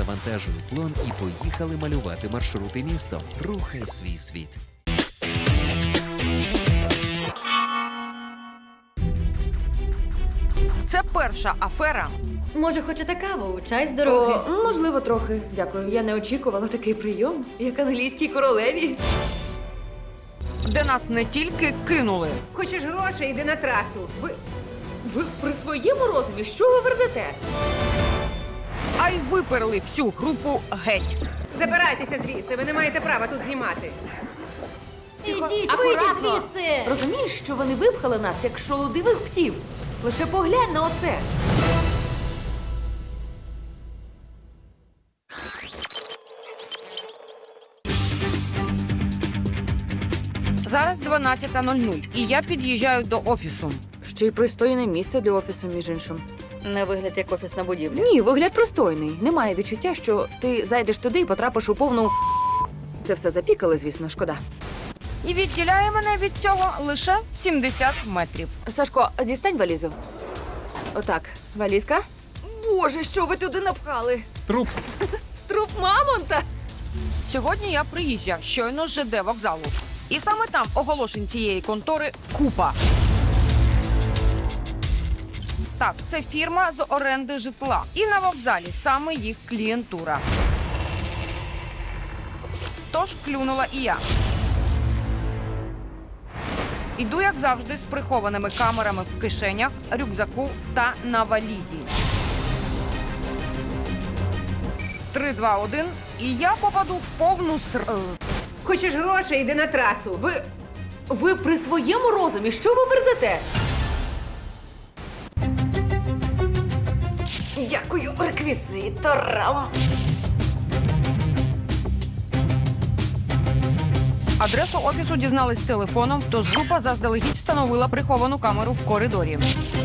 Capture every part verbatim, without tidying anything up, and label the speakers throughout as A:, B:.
A: завантажуй плон і поїхали малювати маршрути містом. Рухай свій світ.
B: Це перша афера.
C: Може, хочете каву? Чай з дороги?
D: О, можливо, трохи. Дякую. Я не очікувала такий прийом, як англійській королеві.
B: Де нас не тільки кинули,
E: Хочеш грошей, йди на трасу.
D: Ви, ви при своєму розумі? Що ви верзете?
B: а й виперли всю групу геть.
E: Забирайтеся звідси, ви не маєте права тут знімати.
C: Ідіть,
D: Акуратно.
C: вийдіть звідси!
D: Розумієш, що вони випхали нас, як шолодивих псів? Лише поглянь на оце.
B: Зараз дванадцята нуль нуль, і я під'їжджаю до офісу.
D: Ще й пристойне місце для офісу, між іншим.
C: Не вигляд як офісна будівля.
D: Ні, вигляд пристойний. Немає відчуття, що ти зайдеш туди і потрапиш у повну... Це все запікали, звісно, шкода.
B: І відділяє мене від цього лише сімдесят метрів.
D: Сашко, дістань валізу. Отак, валізка. Боже, що ви туди напхали?
A: Труп.
D: Труп мамонта?
B: Сьогодні я приїжджав щойно з ЖД вокзалу. І саме там оголошень цієї контори купа. Так, це фірма з оренди житла. І на вокзалі саме їх клієнтура. Тож клюнула і я. Іду, як завжди, з прихованими камерами в кишенях, рюкзаку та на валізі. Три, два, один, і я попаду в повну ср...
E: Хочеш грошей, йди на трасу.
D: Ви... Ви при своєму розумі? Що ви верзете? Дякую реквізиторам.
B: Адресу офісу дізнались телефоном, тож група заздалегідь встановила приховану камеру в коридорі.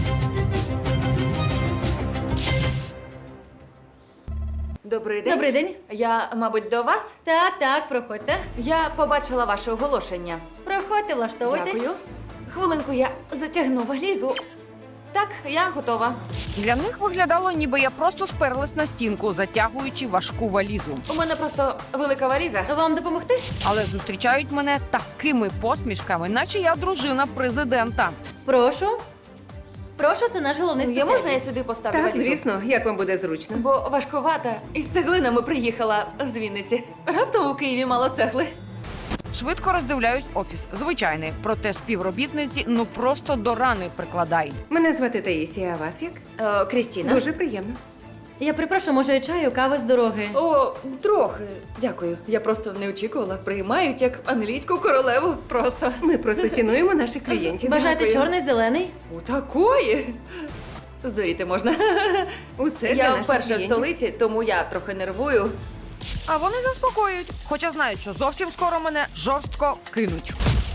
D: Добрий день.
C: Добрий день.
D: Я, мабуть, до вас?
C: Так, так, проходьте.
D: Я побачила ваше оголошення.
C: Проходьте, влаштовуйтесь.
D: Дякую. Хвилинку, я затягну валізу. Так, я готова.
B: Для них виглядало, ніби я просто сперлась на стінку, затягуючи важку валізу.
D: У мене просто велика валіза.
C: Вам допомогти?
B: Але зустрічають мене такими посмішками, наче я дружина президента.
C: Прошу. Прошу, це наш головний
D: Я
C: спеціаліст.
D: можна я сюди поставлю
E: Так,
D: валізу?
E: звісно, як вам буде зручно.
D: Бо важкувата. Із цеглинами приїхала з Вінниці. Раптом у Києві мало цегли.
B: Швидко роздивляюсь офіс. Звичайний, проте співробітниці ну просто до рани прикладають.
E: Мене звати Таїсія, а вас як?
D: Е, Крістіна.
E: Дуже приємно.
C: Я припрошу, може, чаю, кави з дороги.
D: О, трохи. Дякую. Я просто не очікувала. Приймають як англійську королеву. Просто.
E: Ми просто цінуємо наших клієнтів.
C: Бажаєте
D: Дякую.
C: чорний, зелений?
D: У такої. Здуріти можна.
E: Усе для
D: Я
E: наших
D: вперше в
E: клієнтів.
D: столиці, тому я трохи нервую.
B: А вони заспокоюють, хоча знають, що зовсім скоро мене жорстко кинуть.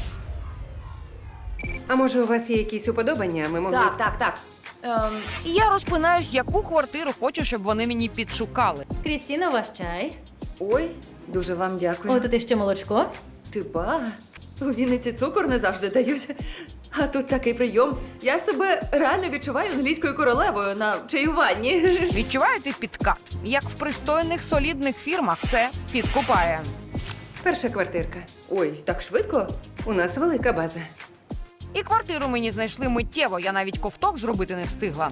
E: А може, у вас є якісь уподобання? Ми могли...
D: Так, так, так. Ем,
B: І я розпинаюсь, яку квартиру хочу, щоб вони мені підшукали.
C: Крістіно, ваш чай.
D: ой, дуже вам дякую.
C: О, тут іще молочко.
D: Ти ба, у Вінниці цукор не завжди дають. А тут такий прийом. Я себе реально відчуваю англійською королевою на чаюванні.
B: Відчуваєте підкат? Як в пристойних солідних фірмах це підкупає.
E: Перша квартирка.
D: Ой, так швидко?
E: У нас велика база.
B: І квартиру мені знайшли миттєво, я навіть ковток зробити не встигла.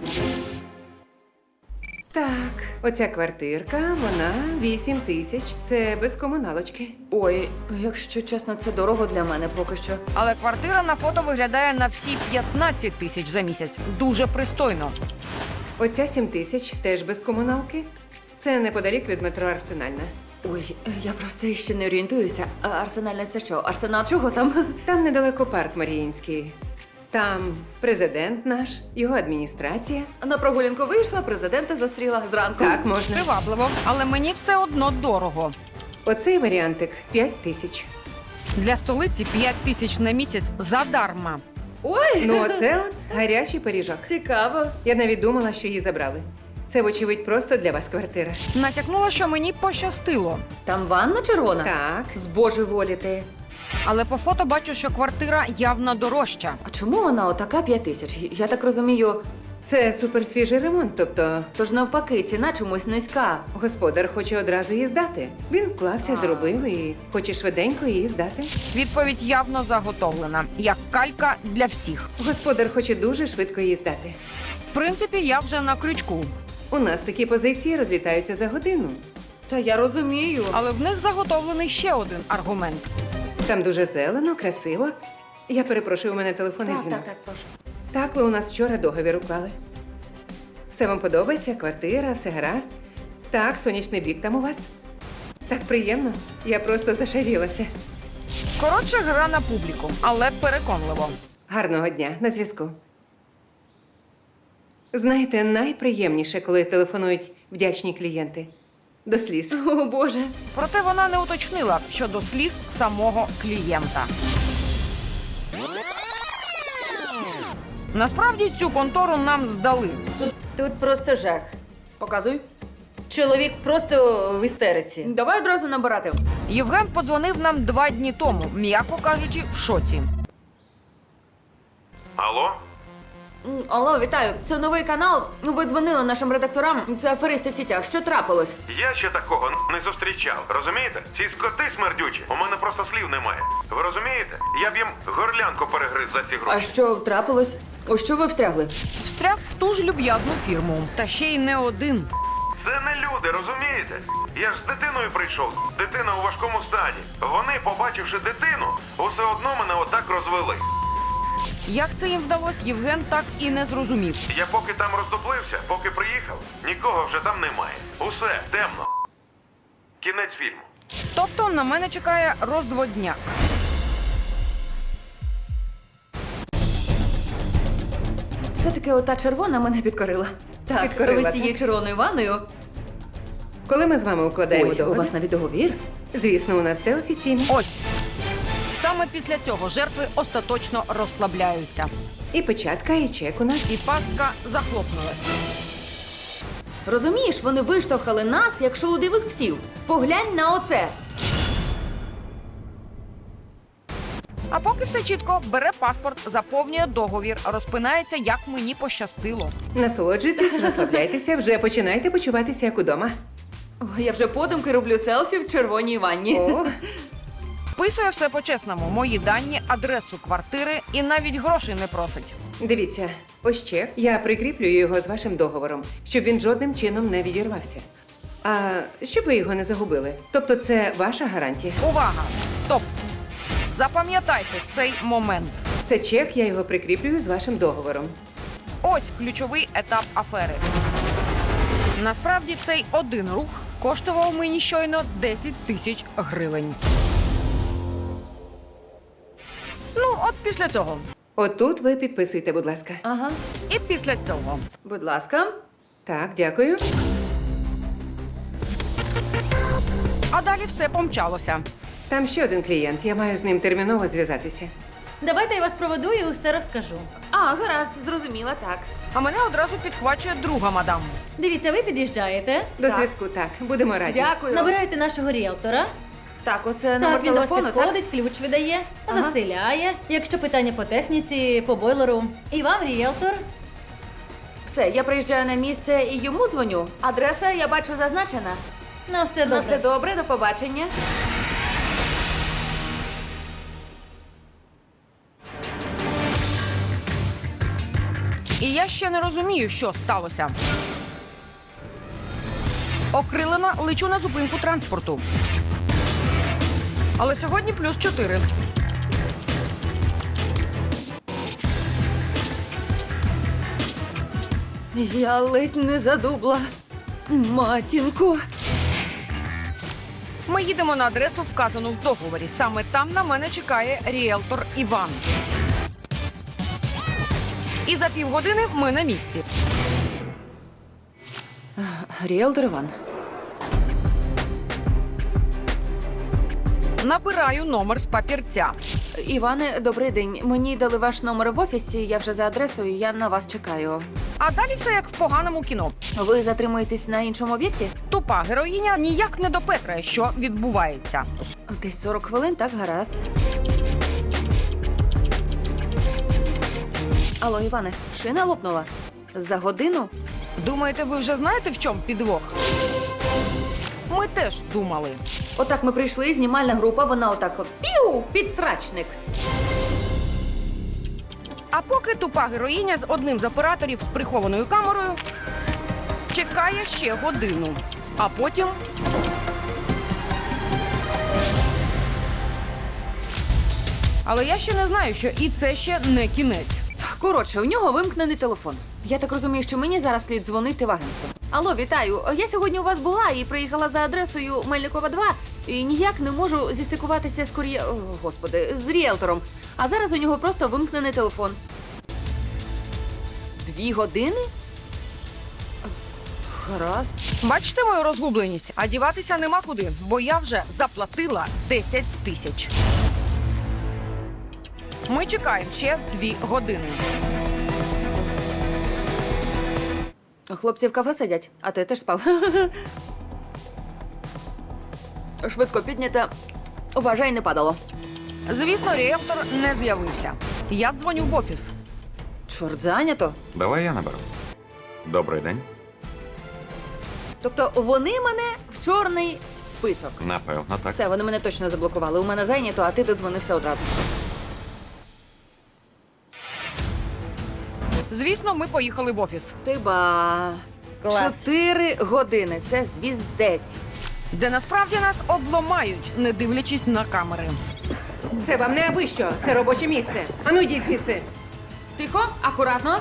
E: Так, оця квартирка, вона вісім тисяч. Це без комуналочки.
D: Ой, якщо чесно, це дорого для мене поки що.
B: Але квартира на фото виглядає на всі п'ятнадцять тисяч за місяць. Дуже пристойно.
E: Оця сім тисяч теж без комуналки. Це неподалік від метро Арсенальна.
D: Ой, я просто ще не орієнтуюся. А Арсенальне це що? Арсенал чого там?
E: Там недалеко парк Маріїнський. Там президент наш, його адміністрація.
D: На прогулянку вийшла, президента зустріла зранку.
E: Так, можна.
B: Привабливо, але мені все одно дорого.
E: Оцей варіантик п'ять тисяч.
B: Для столиці п'ять тисяч на місяць задарма.
D: Ой,
E: Ну, оце от гарячий пиріжок.
D: цікаво.
E: Я навіть думала, що її забрали. Це, вочевидь, просто для вас квартира.
B: Натякнула, що мені пощастило.
D: Там ванна червона?
E: Так.
D: З божеволіти.
B: Але по фото бачу, що квартира явно дорожча.
D: А чому вона отака п'ять тисяч? Я так розумію,
E: Це суперсвіжий ремонт, тобто
D: Тож навпаки, ціна чомусь низька.
E: господар хоче одразу її здати. Він вклався, зробив і хоче швиденько її здати.
B: Відповідь явно заготовлена, як калька для всіх.
E: Господар хоче дуже швидко її здати.
B: В принципі, я вже на крючку,
E: У нас такі позиції розлітаються за годину.
D: Та я розумію.
B: але в них заготовлений ще один аргумент.
E: Там дуже зелено, красиво. Я перепрошую, у мене телефонний
D: Так,
E: дзвінок.
D: так, так, прошу.
E: Так, ви у нас вчора договір уклали. Все вам подобається, квартира, все гаразд. Так, сонячний бік там у вас. Так приємно. Я просто зашарілася.
B: Коротше, гра на публіку, але переконливо.
E: Гарного дня, на зв'язку. Знаєте, найприємніше, коли телефонують вдячні клієнти. До сліз.
D: О, Боже.
B: Проте вона не уточнила щодо сліз самого клієнта. Насправді цю контору нам здали.
F: Тут просто жах.
D: Показуй.
F: Чоловік просто в істериці.
D: Давай одразу набирати.
B: Євген подзвонив нам два дні тому, м'яко кажучи, в шоці.
G: Алло?
D: М, Алло, вітаю. Це новий канал. Ви дзвонили нашим редакторам. Це аферисти в сітях. Що трапилось?
G: Я ще такого не зустрічав. Розумієте? Ці скоти смердючі. У мене просто слів немає. Ви розумієте? Я б їм горлянку перегриз за ці
D: А
G: гроші.
D: що трапилось? У що ви встрягли?
B: Встряг в ту ж люб'язну фірму. Та ще й не один.
G: Це не люди, розумієте? Я ж з дитиною прийшов. Дитина у важкому стані. Вони, побачивши дитину, усе одно мене отак розвели.
B: Як це їм вдалося, Євген так і не зрозумів.
G: Я поки там роздуплився, поки приїхав, нікого вже там немає. Усе темно. Кінець фільму.
B: Тобто на мене чекає розводняк.
D: Все-таки ота червона мене підкорила. Так,
E: Підкорила,
D: ви з
E: так?
D: тією червоною ванною.
E: Коли ми з вами укладаємо
D: Ой, у
E: договір?
D: вас навіть договір?
E: Звісно, у нас все офіційно.
B: Ось. Саме після цього жертви остаточно розслабляються.
E: І печатка, і чек у нас.
B: І пастка захлопнулась.
D: Розумієш, вони виштовхали нас, як шолудивих псів. Поглянь на оце.
B: А поки все чітко, бере паспорт, заповнює договір, розпинається, як мені пощастило.
E: Насолоджуйтесь, розслабляйтеся, вже починайте почуватися як удома.
D: Ой, я вже подумки роблю селфі в червоній ванні.
E: О,
B: Вписує все по-чесному, мої дані, адресу квартири і навіть грошей не просить.
E: дивіться, ось чек. Я прикріплюю його з вашим договором, щоб він жодним чином не відірвався. А щоб ви його не загубили. Тобто це ваша гарантія.
B: Увага! Стоп! Запам'ятайте цей момент.
E: Це чек, я його прикріплюю з вашим договором.
B: Ось ключовий етап афери. Насправді цей один рух коштував мені щойно десять тисяч гривень. Ну, от після цього.
E: Отут ви підписуйте, будь ласка.
D: Ага.
B: І після цього.
D: Будь ласка.
E: Так, дякую.
B: А далі все помчалося.
E: Там ще один клієнт. Я маю з ним терміново зв'язатися.
C: Давайте я вас проведу і усе розкажу.
D: А, гаразд, зрозуміла, так.
B: А мене одразу підхвачує друга мадам.
C: Дивіться, ви під'їжджаєте,
E: До
D: Так.
E: зв'язку, так. Будемо раді.
D: Дякую.
C: набираєте нашого ріелтора.
D: Так, оце номер
C: Так, він до вас
D: телефону, так?
C: підходить, ключ видає,
D: Ага.
C: заселяє. Якщо питання по техніці, по бойлеру. І вам ріелтор.
D: Все, я приїжджаю на місце і йому дзвоню. Адреса, я бачу, зазначена.
C: На все добре.
D: Ну, все добре, до побачення.
B: І я ще не розумію, що сталося. Окрилена, лечу на зупинку транспорту. Але сьогодні плюс чотири.
D: Я ледь не задубла. Матінко.
B: Ми їдемо на адресу, вказану в договорі. Саме там на мене чекає ріелтор Іван. І за півгодини ми на місці.
D: Ріелтор Іван.
B: Набираю номер з папірця.
D: Іване, добрий день. Мені дали ваш номер в офісі, я вже за адресою, я на вас чекаю.
B: А далі все як в поганому кіно.
D: Ви затримуєтесь на іншому об'єкті?
B: Тупа героїня ніяк не допетрає, що відбувається.
D: Десь сорок хвилин, так, гаразд. Алло, Іване, шина лопнула? За годину?
B: Думаєте, ви вже знаєте, в чому підвох? Ми теж думали.
D: Отак ми прийшли, знімальна група, вона отак от піу, підсрачник.
B: А поки тупа героїня з одним з операторів з прихованою камерою чекає ще годину. А потім. Але я ще не знаю, що і це ще не кінець.
D: Коротше, у нього вимкнений телефон. Я так розумію, що мені зараз слід дзвонити в агентство. Алло, вітаю. Я сьогодні у вас була і приїхала за адресою Мельникова два. І ніяк не можу зістикуватися з кур'є... О, господи, з ріелтором. А зараз у нього просто вимкнений телефон. Дві години? Гаразд.
B: Бачите мою розгубленість? А діватися нема куди, бо я вже заплатила десять тисяч. Ми чекаємо ще дві години.
D: Хлопці в кафе сидять, а ти теж спав. Швидко піднята. Вважай, не падало.
B: Звісно, ріелтор не з'явився. Я дзвоню в офіс.
D: Чорт, зайнято.
G: Давай я наберу. Добрий день.
D: Тобто вони мене в чорний список.
G: Напевно, так.
D: Все, вони мене точно заблокували. У мене зайнято, а ти додзвонився одразу.
B: Звісно, ми поїхали в офіс,
D: Ти ба.
F: Клас.
D: Чотири години. Це звіздець.
B: де насправді нас обломають, не дивлячись на камери.
E: Це вам не аби що, це робоче місце. Ану йдіть звідси.
D: Тихо, акуратно.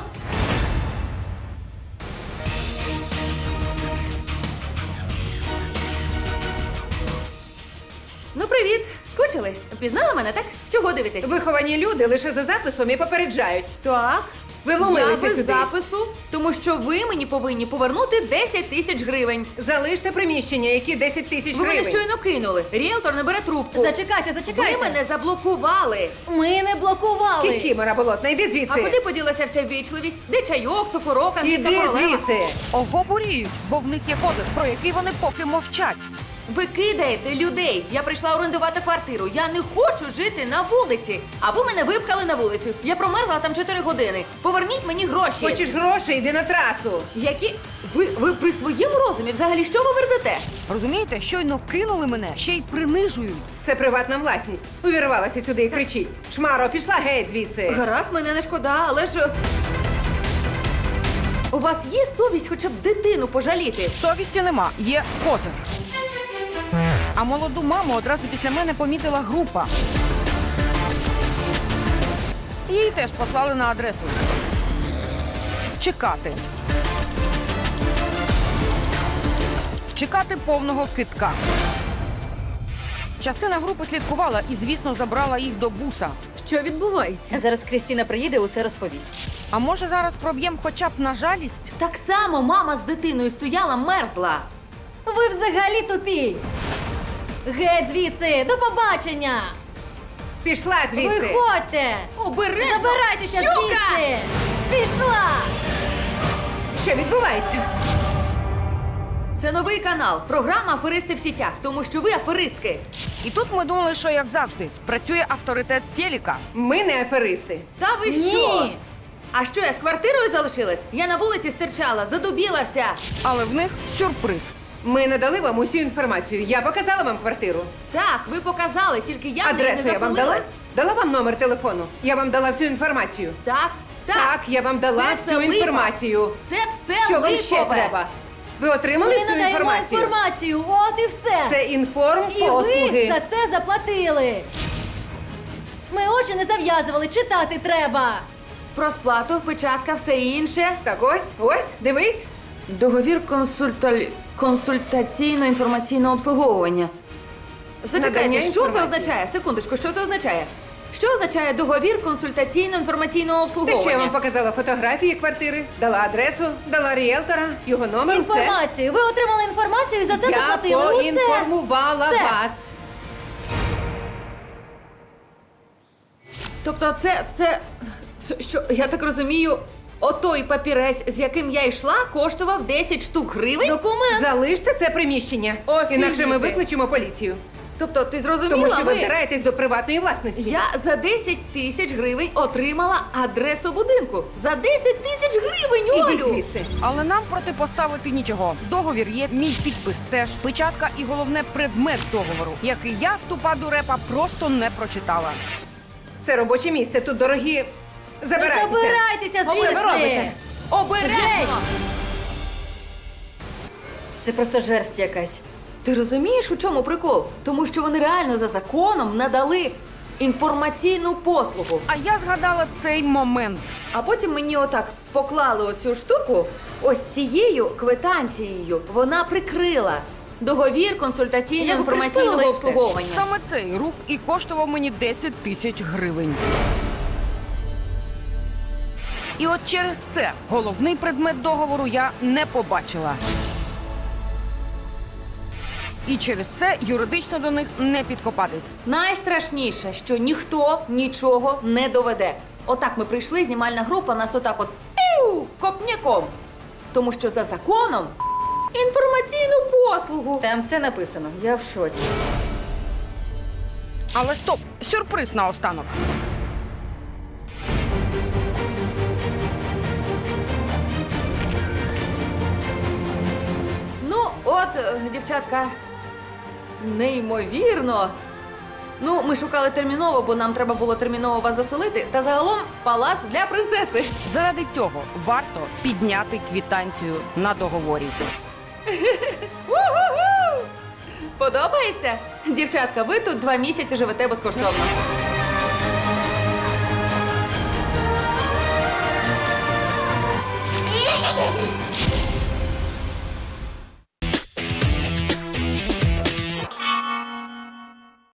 D: Ну, привіт! Скучили? Пізнали мене, так? Чого дивитесь?
E: Виховані люди лише за записом і попереджають.
D: Так.
E: Ви вломилися
D: Я без
E: сюди.
D: запису, тому що ви мені повинні повернути десять тисяч гривень.
E: Залиште приміщення, які десять тисяч
D: Ви мене
E: гривень.
D: щойно кинули. Ріелтор не бере трубку.
C: Зачекайте, зачекайте.
D: Ви мене заблокували.
C: Ми не блокували.
E: Кікімора болотна, йди звідси.
D: А куди поділася вся ввічливість? Де чайок, цукорок, англійська
E: Іди
D: королева?
E: звідси.
B: Оговорюють, бо в них є кодек, про який вони поки мовчать.
D: Ви кидаєте людей. Я прийшла орендувати квартиру. Я не хочу жити на вулиці. А ви мене випкали на вулицю. Я промерзла там чотири години. Поверніть мені гроші.
E: Хочеш грошей, йди на трасу.
D: Які? Ви, ви при своєму розумі взагалі що ви верзете?
B: Розумієте, щойно кинули мене, ще й принижують.
E: Це приватна власність. Увірвалася сюди і кричить. Шмаро, пішла геть звідси.
D: Гаразд, мене не шкода, але ж... У вас є совість хоча б дитину пожаліти?
B: Совісті нема, є козир. А молоду маму одразу після мене помітила група. Її теж послали на адресу. Чекати. Чекати повного китка. Частина групи слідкувала і, звісно, забрала їх до буса.
C: Що відбувається?
F: Зараз Крістіна приїде, усе розповість.
B: А може зараз проб'єм хоча б на жалість?
D: Так само мама з дитиною стояла, мерзла.
C: Ви взагалі тупі. Геть звідси, до побачення.
E: Пішла звідси.
C: Виходьте.
D: Обережно!
C: Забирайтеся
D: Щука!
C: звідси. Пішла.
E: Що відбувається?
D: Це новий канал. Програма «Аферисти в сітях», тому що ви аферистки.
B: І тут ми думали, що, як завжди, спрацює авторитет телека.
E: Ми не аферисти.
D: Та ви
C: Ні.
D: що? А що, я з квартирою залишилась? Я на вулиці стирчала, задубілася.
B: Але в них сюрприз.
E: Ми надали вам усю інформацію. Я показала вам квартиру.
D: Так, ви показали, тільки я в неї
E: Адресу
D: не
E: я вам дала?
D: заселилась.
E: Дала вам номер телефону. Я вам дала всю інформацію.
D: Так, так.
E: Так, я вам дала
D: Це
E: всю
D: все липа.
E: інформацію.
D: Це все
E: Що вам
D: липове.
E: ще треба? Ви отримали
C: Ми
E: всю
C: надаємо
E: інформацію?
C: інформацію. От і все.
E: Це інформ
C: І ви
E: послуги.
C: за це заплатили. Ми очі не зав'язували, читати треба.
D: Про сплату, печатка, все інше.
E: Так ось, ось, дивись.
D: Договір консульталь... консультаційно-інформаційного обслуговування. Зачекайте,
E: Надання
D: що це
E: інформації.
D: означає? Секундочку, що це означає? Що означає договір консультаційно-інформаційного
E: Те,
D: обслуговування?
E: що я вам показала фотографії квартири, дала адресу, дала ріелтора, його номер, все.
C: Інформацію. Ви отримали інформацію і за це
E: Я
C: заплатили. Усе.
E: поінформувала
C: Все.
E: вас.
D: Тобто це, це, це, що, я так розумію, отой папірець, з яким я йшла, коштував десять штук гривень?
C: Документ.
E: Залиште це приміщення.
D: Офігіти.
E: Інакше ми викличемо поліцію.
D: Тобто, ти зрозуміла?
E: Тому що ви
D: ми-
E: втираєтесь до приватної власності.
D: Я за десять тисяч гривень отримала адресу будинку. За десять тисяч гривень,
E: Ідіть
D: Олю!
E: звідси.
B: Але нам протипоставити нічого. Договір є, мій підпис теж, печатка і головне предмет договору, який я, тупа дурепа, просто не прочитала.
E: Це робоче місце, тут дорогі.
C: Ну,
E: Забирайтеся.
C: забирайтеся
E: Що ви робите?
C: звідси!
D: Обережно!
F: Це просто жерсть якась.
D: Ти розумієш, у чому прикол? Тому що вони реально за законом надали інформаційну послугу.
B: А я згадала цей момент.
D: А потім мені отак поклали оцю штуку, ось цією квитанцією вона прикрила договір консультаційного
F: Яку пришпилили
D: інформаційного
F: і все.
D: обслуговування.
B: Саме цей рух і коштував мені десять тисяч гривень. І от через це головний предмет договору я не побачила. І через це юридично до них не підкопатись.
D: Найстрашніше, що ніхто нічого не доведе. Отак ми прийшли, знімальна група, нас отак от піу, копняком. Тому що за законом інформаційну послугу.
F: Там все написано. Я в шоці.
B: Але стоп! Сюрприз наостанок.
D: Ну, от, е, дівчатка, неймовірно. Ну, ми шукали терміново, бо нам треба було терміново вас заселити. Та загалом палац для принцеси.
B: Заради цього варто підняти квитанцію на договорі.
D: Подобається? Дівчатка, ви тут два місяці живете безкоштовно.